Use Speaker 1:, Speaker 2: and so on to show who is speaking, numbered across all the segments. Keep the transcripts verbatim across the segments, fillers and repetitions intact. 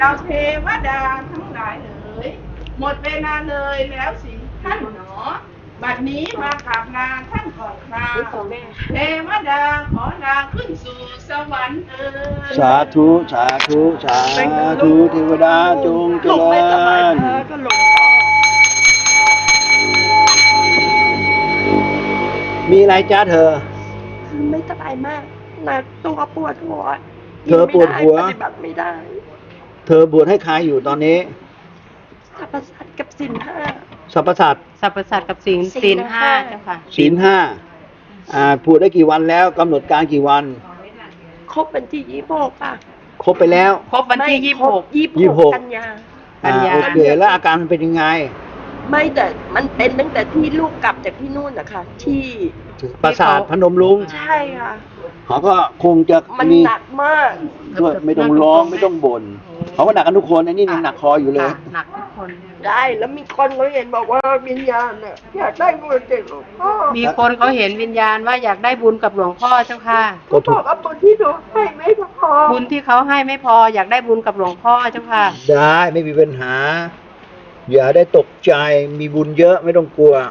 Speaker 1: เราเทวดาทั้งหลายเอ๋ยหมดเวลาเลยแล้วสิท่านหนอบัดนี้มากราบลาท่านก่อนคราเทวดาขอลาขึ้นสู่สวรรค์เอ๋ย
Speaker 2: สาธุสาธุสาธุเทวดาจงเจริญมีอะไรจ้าเธอ
Speaker 3: ไม่สบายมากนะตัวปวดหัว
Speaker 2: เธอปวดหัว
Speaker 3: ปฏิบัติไม่ได้
Speaker 2: เธอบวชให้ใครอยู่ตอนนี้
Speaker 3: สรรพสัตว์กับศีลห้า
Speaker 2: สรรพสัตว์
Speaker 4: สรรพสัตว์กับศีลศีลห้าเจ้าค่ะ
Speaker 2: ศีลห้าอ่าพูดได้กี่วันแล้วกำหนดการกี่วัน
Speaker 3: ครบวันที่ยี่สิบหกป่ะ
Speaker 2: ครบไปแล้ว
Speaker 4: ครบวันที่ยี่สิบหก
Speaker 3: ยี่สิบหกกันยา
Speaker 2: กันยาโอเคแล้วอาการมันเป็นยังไง
Speaker 3: ไม่แต่มันเป็นตั้งแต่ที่ลูกกลับจากที่นู่นนะคะที่
Speaker 2: ปราสาทพนมรุ้ง
Speaker 3: ใช่ค่ะ
Speaker 2: เขาก็คงจะ
Speaker 3: มันหนักมาก
Speaker 2: ด้วยไม่ต้องร้องไม่ต้องบ่นเขาก็หนักกันทุกคนอันนี้ยังหนักคออยู่เลย
Speaker 4: หนักทุกคน
Speaker 3: ได้แล้วมีคนเขาเห็นบอกว่าวิญญาณเนี่ยอยากได้บุญจากหลวงพ่อ
Speaker 4: มีคนเขาเห็นวิญญาณว่าอยากได้บุญกับหลวงพ่อเจ้าค่ะ
Speaker 3: ก็บอกว่าบุญที่หนูให้ไม่พอ
Speaker 4: บุญที่เขาให้ไม่พออยากได้บุญกับหลวงพ่อเจ้าค่ะ
Speaker 2: ได้ไม่มีปัญหาอย่าได้ตกใจมีบุญเยอะไม่ต้องกลัว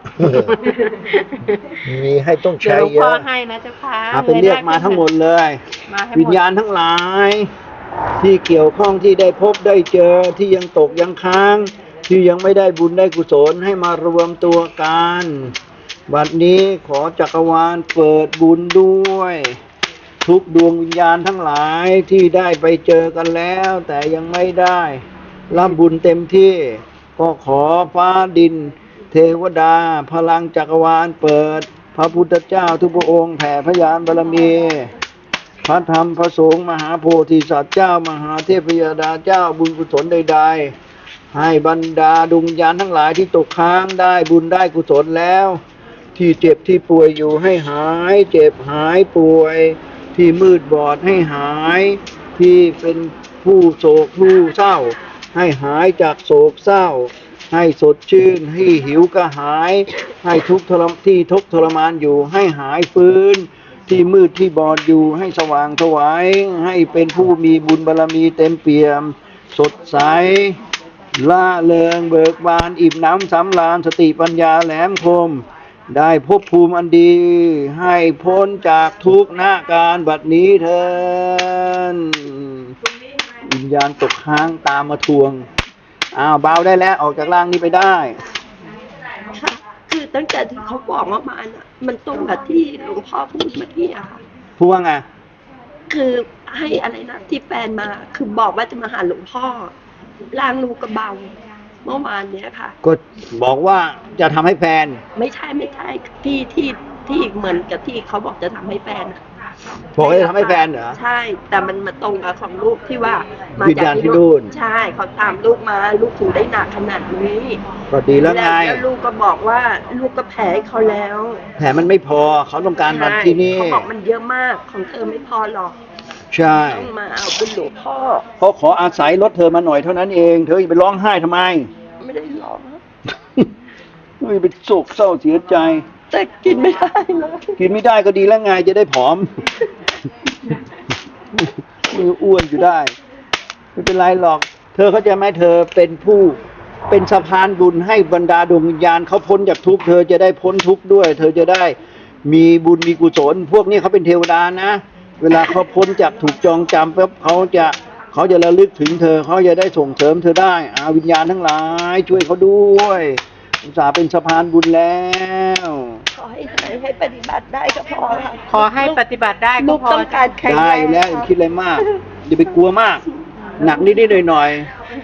Speaker 2: มีให้ต้องใช้เยอะหลวงพ่อ
Speaker 4: ให้นะเจ้าค่ะ
Speaker 2: เป็นเรียกมาทั้งหมดเลยวิญญาณทั้งหลายที่เกี่ยวข้องที่ได้พบได้เจอที่ยังตกยังค้างที่ยังไม่ได้บุญได้กุศลให้มารวมตัวกันบัดนี้ขอจักรวาลเปิดบุญด้วยทุกดวงวิญญาณทั้งหลายที่ได้ไปเจอกันแล้วแต่ยังไม่ได้รับบุญเต็มที่ก็ขอฟ้าดินเทวดาพลังจักรวาลเปิดพระพุทธเจ้าทุกพระองค์แผ่พยานบารมีพระธรรมพระสงฆ์มหาโพธิสัตว์เจ้ามหาเทพยดาเจ้าบุญกุศลใดๆให้บรรดาดวงวิญญาณทั้งหลายที่ตกค้างได้บุญได้กุศลแล้วที่เจ็บที่ป่วยอยู่ให้หายเจ็บหายป่วยที่มืดบอดให้หายที่เป็นผู้โศกผู้เศร้าให้หายจากโศกเศร้าให้สดชื่นให้หิวกระหายให้ทุกข์ทรมที่ทุกข์ทรมานอยู่ให้หายฟื้นที่มืดที่บอดอยู่ให้สว่างไสวให้เป็นผู้มีบุญบารมีเต็มเปี่ยมสดใสล่าเริงเบิกบานอิ่มน้ำสำราญสติปัญญาแหลมคมได้ภพภูมิอันดีให้พ้นจากทุกข์ณการบัดนี้เถิดวิญญาณตกค้างตามมาทวงอ้าวเบาได้แล้วออกจากร่างนี้ไปได้
Speaker 3: ค่ะคือตั้งแต่ที่เขาบอกว่ามาน่ะมันตรงกับที่หลวงพ่อพูดเมื่อกี้อะค่ะ
Speaker 2: พูดว่าไง
Speaker 3: คือให้อะไรนะที่แฟนมาคือบอกว่าจะมาหาหลวงพ่อร่างลูกกระเบาเมื่อวานเนี้ยค่ะ
Speaker 2: ก็บอกว่าจะทำให้แฟน
Speaker 3: ไม่ใช่ไม่ใช่ที่ที่ที่เหมือนกับที่เขาบอกจะทำให้แฟน
Speaker 2: บอกว่าจะทำให้แฟนเหรอ
Speaker 3: ใช่แต่มันมาตรงกับของลูกที่ว่า
Speaker 2: มาจากที่นู่น
Speaker 3: ใช่เขาตามลูกมาลูกถึงได้หนักขนาดนี้
Speaker 2: ก็ดีแล้วไง
Speaker 3: แล้วลูกก็บอกว่าลูกก็แผลเขาแล้ว
Speaker 2: แผลมันไม่พอเขาต้องการมาที่นี่
Speaker 3: เขาบอกมันเยอะมากของเธอไม่พอหรอก
Speaker 2: ใช่
Speaker 3: ต้องมาเอาเป็นหลวงพ่อ
Speaker 2: เขาขออาศัยรถเธอมาหน่อยเท่านั้นเองเธออย่าไปร้องไห้ทำไม
Speaker 3: ไม่ได้ร้อง
Speaker 2: ไม่ไปโศกเศร้าเสียใจ
Speaker 3: แต่กินไม่ได้เลย
Speaker 2: กินไม่ได้ก็ดีแล้วไงจะได้ผอมมืออ้วนอยู่ได้ไม่เป็นไรหรอกเธอเข้าใจไหมเธอเป็นผู้เป็นสะพานบุญให้บรรดาดวงวิญญาณเขาพ้นจากทุกข์เธอจะได้พ้นทุกข์ด้วยเธอจะได้มีบุญมีกุศลพวกนี้เขาเป็นเทวดานะเวลาเขาพ้นจากถูกจองจำปั๊บเขาจะเขาจะระลึกถึงเธอเขาจะได้ส่งเสริมเธอได้อาวิญญาณทั้งหลายช่วยเขาด้วยอุตส่าห์เป็นสะพานบุญแล้ว
Speaker 3: ขอให้ให้ปฏิบัติได้ก็พอค่ะ
Speaker 4: ขอให้ปฏิบัติได้ก็พอ
Speaker 3: ต้องการแข็ง
Speaker 2: ได้แล้วคิดอะไรมากอย่าไปกลัวมากหนักนิดๆหน่อย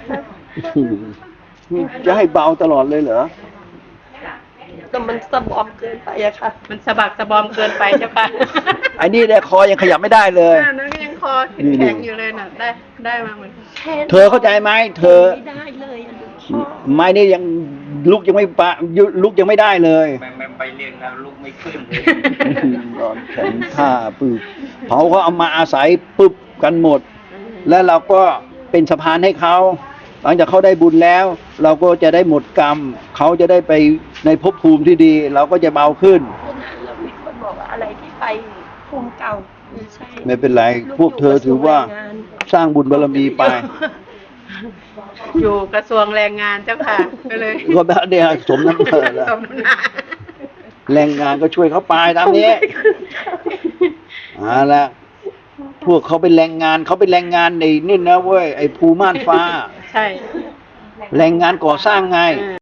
Speaker 2: ๆจะให้เบาตลอดเลยเหรอ
Speaker 3: แต่มันสะบอมเกินไปอะค่ะ
Speaker 4: มันสะบักสะบอมเกินไปเจ้าค่ะ
Speaker 2: ไอ้นี่เนี่ยคอยังขยับไม่ได้เลย
Speaker 4: นั่นก็ยังคอแข็งอยู่เลยน่ะได้ได้มาเหมือน
Speaker 2: เธอเข้าใจไหมเธอ
Speaker 3: ไม่ได้เลย
Speaker 2: ไม่นี่ยังลุกยังไม่ปะลุกยังไม่ได้เลย
Speaker 5: ไปเรียนแล้วลุกไม่ขึ้นเลย
Speaker 2: นอนแข็งท่าปึ๊บเขาเขาเอามาอาศัยปึ๊บกันหมดแล้วเราก็เป็นสะพานให้เขาหลังจากเขาได้บุญแล้วเราก็จะได้หมดกรรมเขาจะได้ไปในภพภูมิที่ดีเราก็จะเบาขึ้น
Speaker 3: แล้วมีคนบอกว่าอะไรที่ไปภูมิเก่าไม่ใช่
Speaker 2: ไม่เป็นไรพวกเธอถือว่าสร้างบุญบารมีไป
Speaker 4: อยู่กระทรวงแรงงานเจ้าค่ะ ก็เลย
Speaker 2: ก็แบบเดียวสมน้ำเนินแล้ว
Speaker 4: สมน้ำหน้า
Speaker 2: แรงงานก็ช่วยเขาไปตามนี้เอาละพวกเขาเป็นแรงงานเขาเป็นแรงงานในนี่นะเว้ยไอ้ภูม่านฟ้า
Speaker 4: ใช่
Speaker 2: แรงงานก่อสร้างไง